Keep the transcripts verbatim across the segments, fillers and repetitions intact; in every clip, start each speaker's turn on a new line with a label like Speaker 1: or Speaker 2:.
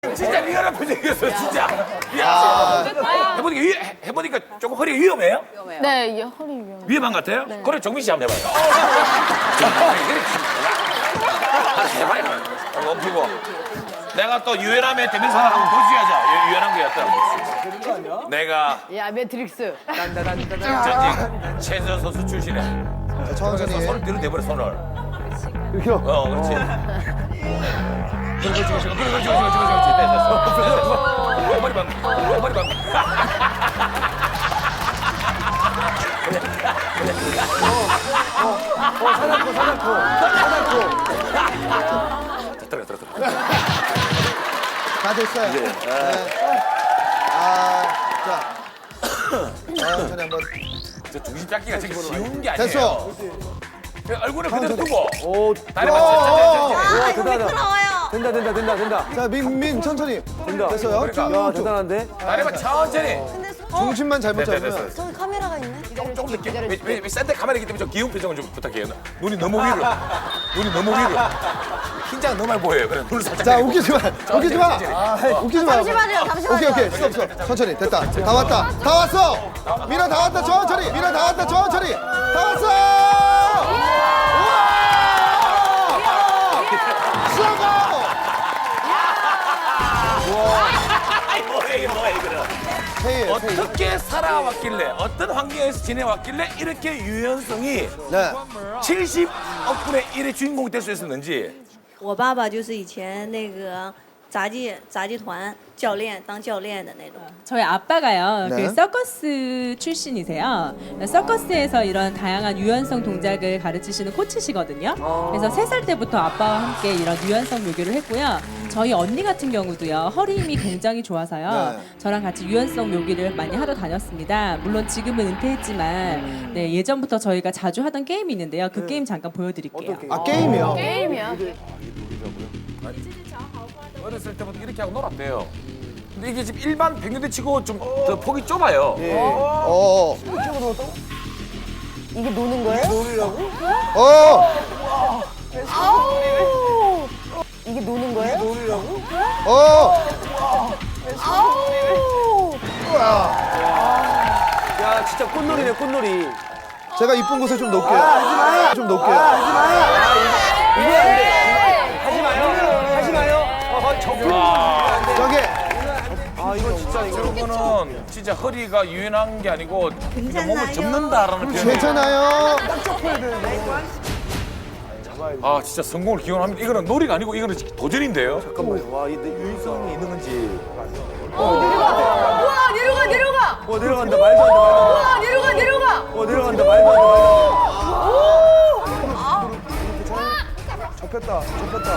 Speaker 1: 진짜 리얼한 표정이었어, 진짜. 야. 해보니까, 위, 해보니까 조금 허리가 위험해요?
Speaker 2: 네, 이 허리 위험.
Speaker 1: 위험한 것 같아요?
Speaker 2: 네.
Speaker 1: 그래, 정민 씨 한번 해봐요. 해봐요. 멈추고. 내가 또 유연함의 대명사를 한번 보여줘야죠. 유- 유연한 게 어떤. 내가
Speaker 2: 야, 매트릭스.
Speaker 1: 전직 체조 선수 출신에.
Speaker 3: 자, 천천히.
Speaker 1: 손을 뒤로 대버려, 손을.
Speaker 4: 이렇게요?
Speaker 1: 어, 그렇지. 그렇지, 그렇지, 그렇지, 그렇지, 그렇지, 그렇지, 그렇지. 됐어, 됐어. 됐어. 머리 방, 머리 방.
Speaker 4: 어, 사냥코, 사냥코. 사냥코.
Speaker 1: 들어, 들어, 들어.
Speaker 3: 다 됐어요. 네. 아, 자. 천천히 한번.
Speaker 1: 저 중심 잡기가 되게 쉬운 게 아니에요.
Speaker 3: 됐어.
Speaker 1: 그 얼굴을 그대로 두고
Speaker 4: 오,
Speaker 1: 다리만
Speaker 3: 어,
Speaker 1: 천천히,
Speaker 4: 와,
Speaker 1: 천천히.
Speaker 4: 대단하다. 된다, 된다, 된다, 된다.
Speaker 3: 자, 민, 민, 천천히.
Speaker 4: 된다.
Speaker 3: 됐어요.
Speaker 1: 그러니까.
Speaker 4: 야,
Speaker 3: 쭉, 쭉.
Speaker 4: 대단한데?
Speaker 1: 다리만 천천히.
Speaker 3: 중심만 잘못
Speaker 1: 됐어,
Speaker 3: 잡으면.
Speaker 1: 됐어.
Speaker 5: 저기 카메라가 있네.
Speaker 1: 조금, 조금 늦게. 왜, 왜, 왜 센터 카메라이기 때문에 좀 귀여운 표정을 좀 부탁해요. 눈이 너무 위로. 눈이 너무 위로. 흰장 너무 많이 보여요. 그래, 눈을 살짝.
Speaker 3: 자,
Speaker 1: 내리고.
Speaker 3: 웃기지 마. 웃기지 마.
Speaker 1: 천천히.
Speaker 3: 아, 웃기지 마.
Speaker 5: 잠시만요, 잠시만요.
Speaker 3: 오케이, 오케이. 스톱, 스톱. 천천히. 됐다. 다 왔다. 다 왔어. 미라 다 왔다. 천천히. 미라 다 왔다. 천천히. 다 왔어. 우와! 수고!
Speaker 1: 아이, 뭐야, 이게 뭐야, 이거는.
Speaker 3: 페이에, 페이.
Speaker 1: 어떻게 살아왔길래, 어떤 환경에서 지내왔길래 이렇게 유연성이
Speaker 3: 네.
Speaker 1: 칠십억 분의 일의 주인공이 될 수 있었는지.
Speaker 6: 我爸爸就是以前那个杂技杂技团教练，当教练的那种。
Speaker 7: 저희 아빠가요,
Speaker 3: 네.
Speaker 7: 그 서커스 출신이세요. 서커스에서 이런 다양한 유연성 동작을 가르치시는 코치시거든요. 그래서 세 살 때부터 아빠와 함께 이런 유연성 묘기를 했고요. 저희 언니 같은 경우도요, 허리 힘이 굉장히 좋아서요.
Speaker 3: 네.
Speaker 7: 저랑 같이 유연성 묘기를 많이 하러 다녔습니다. 물론 지금은 은퇴했지만, 네, 예전부터 저희가 자주 하던 게임이 있는데요. 그 게임 잠깐 보여드릴게요.
Speaker 3: 아, 게임이요?
Speaker 2: 게임이야.
Speaker 1: 어렸을 때부터 이렇게 하고 놀았대요. 근데 이게 지금 일반 백년대 치고 좀 더 폭이 좁아요.
Speaker 3: 어.
Speaker 2: 이게 노는 거예요?
Speaker 3: 어.
Speaker 2: 아우! 이게 노는 거예요?
Speaker 3: 어.
Speaker 2: 아우!
Speaker 4: 야, 진짜 꽃놀이네, 꽃놀이.
Speaker 3: 제가 이쁜 곳에 좀 놓을게요. 좀 놓을게요.
Speaker 4: 이게 안 돼. 하지 마요. 하지 마요. 어, 저기.
Speaker 3: 저기.
Speaker 4: 아, 이거 진짜, 이거.
Speaker 1: 저거는 진짜 허리가 유연한 게 아니고 그냥 몸을 접는다라는 표현이.
Speaker 3: 괜찮아요.
Speaker 1: 아 진짜 성공을 기원합니다. 이거는 놀이가 아니고 이거는 도전인데요.
Speaker 4: 잠깐만요. 와, 이 유연성이 있는 건지.
Speaker 2: 우와, 내려가, 내려가!
Speaker 4: 어, 내려간다. 말도 안 돼, 말도 안
Speaker 2: 우와, 내려가, 내려가!
Speaker 4: 돼. 어, 내려간다. 말도 안 돼, 말도 안 돼.
Speaker 3: 접혔다. 접혔다.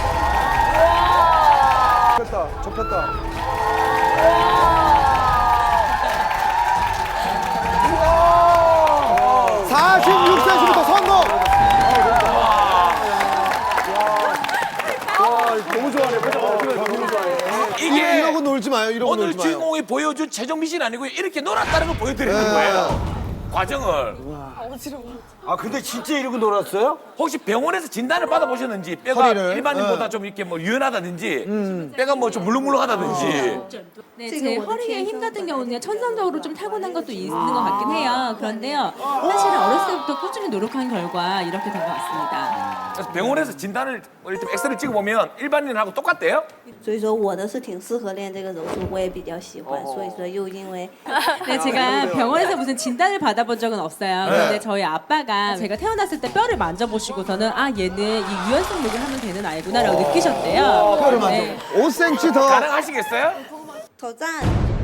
Speaker 3: 접혔다. 접혔다. 사십육 세시부터 성공!
Speaker 4: 너무 좋아하네. 표정 너무 좋아해.
Speaker 1: 이게
Speaker 3: 이러고 놀지 마요. 이러고
Speaker 1: 오늘
Speaker 3: 놀지 마요.
Speaker 1: 주인공이 보여준 최정민 씨는 아니고 이렇게 놀았다는 걸 보여드리는
Speaker 3: 네.
Speaker 1: 거예요. 과정을.
Speaker 4: 아, 근데 진짜 이러고 놀았어요?
Speaker 1: 혹시 병원에서 진단을 받아보셨는지 뼈가
Speaker 3: 허리를?
Speaker 1: 일반인보다
Speaker 3: 네.
Speaker 1: 좀 이렇게 뭐 유연하다든지 뼈가 뭐 좀 물렁물렁하다든지
Speaker 7: 네, 제 허리의 힘 같은 경우는 천성적으로 좀 타고난 것도 있는 것 같긴 해요. 그런데요, 사실은 어렸을 때부터 꾸준히 노력한 결과 이렇게 된 것 같습니다.
Speaker 1: 그래서 병원에서 진단을 뭐 이렇게 엑스를 찍어보면 일반인하고 똑같대요?
Speaker 6: 所以说我的是挺适合练这个柔术，我也比较喜欢。所以说又因为
Speaker 7: 네, 제가 병원에서 무슨 진단을 받아본 적은 없어요. 그런데 저희 아빠가 제가 태어났을 때 뼈를 만져보시고서는 아, 얘는 이 유연성 묘기를 하면 되는 아이구나라고 느끼셨대요.
Speaker 3: 뼈를 만져.
Speaker 7: 네.
Speaker 3: 오 센티미터 더.
Speaker 1: 가능하시겠어요?
Speaker 6: 挑战。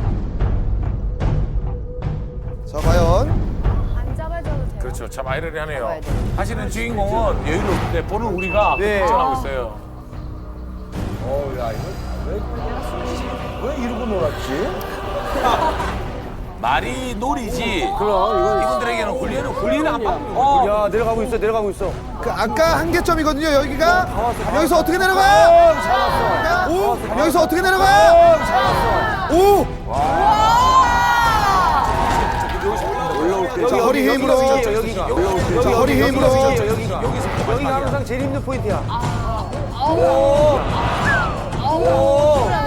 Speaker 3: 자, 과연.
Speaker 2: 안 잡아줘도 돼요.
Speaker 1: 그렇죠. 참 아이러니하네요.
Speaker 2: 잡아야 돼.
Speaker 1: 사실은 주인공은 여유롭게 보는 우리가
Speaker 4: 네.
Speaker 1: 걱정하고 있어요.
Speaker 4: 어, 야, 이거 왜, 왜 이러고 놀았지?
Speaker 1: 말이 놀이지.
Speaker 4: 그럼, 이건.
Speaker 1: 이분들에게는 훈련은 훈련을 안 받는 거예요.
Speaker 4: 야, 내려가고 있어, 내려가고 있어.
Speaker 3: 그 아까 한계점이거든요. 여기가. 여기서 어떻게 내려가?
Speaker 4: 잡았어.
Speaker 3: 오. 여기서 어떻게 내려가? 오.
Speaker 4: 올라올 때.
Speaker 3: 자, 허리 힘으로.
Speaker 4: 여기가, 여기가. 올라올 때.
Speaker 3: 자, 허리 힘으로.
Speaker 4: 여기가, 여기가. 여기가 항상 제일 힘든 포인트야.
Speaker 2: 아우! 아우!